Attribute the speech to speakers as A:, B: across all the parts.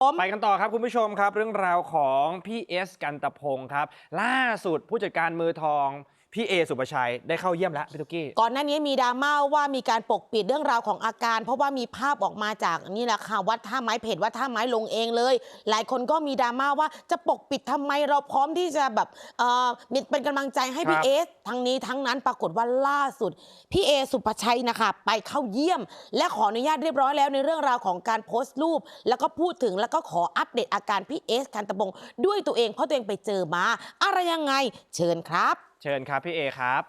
A: ไปกันต่อครับคุณผู้ชมครับเรื่องราวของพี่เอสกันตะพงศ์ครับล่าสุดผู้จัดการมือทองพี่เอสุปชัยได้เข้าเยี่ยมแล้วพี่ตุ๊กกี้
B: ก่อนหน้านี้มีดราม่าว่ามีการปกปิดเรื่องราวของอาการเพราะว่ามีภาพออกมาจากนี่แหละค่ะวัดท่าไม้เพจวัดท่าไม้ลงเองเลยหลายคนก็มีดราม่าว่าจะปกปิดทำไมเราพร้อมที่จะแบบเป็นกำลังใจให้พี่เอสทั้งนี้ทั้งนั้นปรากฏว่าล่าสุดพี่เอสุปชัยนะคะไปเข้าเยี่ยมและขออนุญาตเรียบร้อยแล้วในเรื่องราวของการโพสต์รูปแล้วก็พูดถึงแล้วก็ขออัปเดตอาการพี่เอสกันตะพงศ์ด้วยตัวเองเพราะตัวเองไปเจอมาอะไรยังไงเชิญครับ
A: เชิญครับพี่เอครับ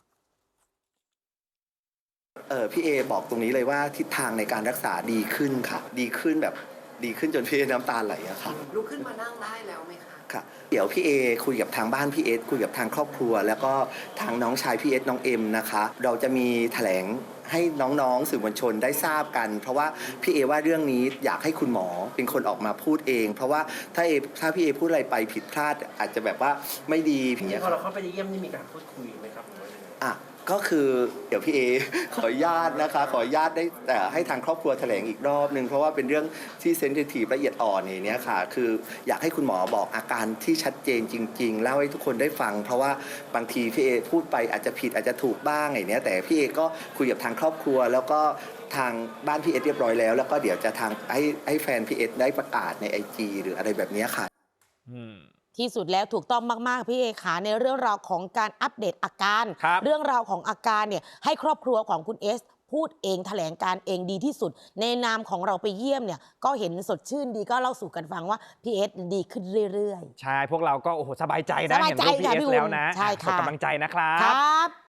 C: พี่เอบอกตรงนี้เลยว่าทิศทางในการรักษาดีขึ้นค่ะดีขึ้นแบบดีขึ้นจนพี่เอน้ำตาไหลอะค่ะ
D: ลุกขึ้นมานั่งได้แล้วไหมคะ
C: ค่ะเดี๋ยวพี่เอคุยกับทางบ้านพี่เอคุยกับทางครอบครัวแล้วก็ทางน้องชายพี่เอน้องเอ็มนะคะเราจะมีแถลงให้น้องๆสื่อมวลชนได้ทราบกันเพราะว่าพี่เอว่าเรื่องนี้อยากให้คุณหมอเป็นคนออกมาพูดเองเพราะว่าถ้าพี่เอพูดอะไรไปผิดพลาดอาจจะแบบว่าไม่ดี
D: พี่พอเราเข้าไปเยี่ยมนี่มีการพูดคุยไหมครับ
C: อ่ะก็คือเดี๋ยวพี่เอขออนุญาตนะคะขออนุญาตได้แต่ให้ทางครอบครัวแถลงอีกรอบนึงเพราะว่าเป็นเรื่องที่เซนซิทีฟละเอียดอ่อนอย่างนี้ค่ะคืออยากให้คุณหมอบอกอาการที่ชัดเจนจริงๆเล่าให้ทุกคนได้ฟังเพราะว่าบางทีพี่เอพูดไปอาจจะผิดอาจจะถูกบ้างอย่างนี้แต่พี่เอก็คุยกับทางครอบครัวแล้วก็ทางบ้านพี่เอเรียบร้อยแล้วแล้วก็เดี๋ยวจะทางให้แฟนพี่เอได้ประกาศใน IG หรืออะไรแบบนี้ค่ะ
B: ที่สุดแล้วถูกต้องมากๆพี่เอขาในเรื่องราวของการอัปเดตอาการเรื่องราวของอาการเนี่ยให้ครอบครัวของคุณเอสพูดเองแถลงการเองดีที่สุดในนามของเราไปเยี่ยมเนี่ยก็เห็นสดชื่นดีก็เล่าสู่กันฟังว่าพี่เอสดีขึ้นเรื่อย
A: ๆใช่พวกเราก็โอ้โหสบายใจนะ
B: เห็นรูป
A: พี่เอสแล้วนะ
B: ใช่ค่ะ
A: ส่งกำลังใจนะครับ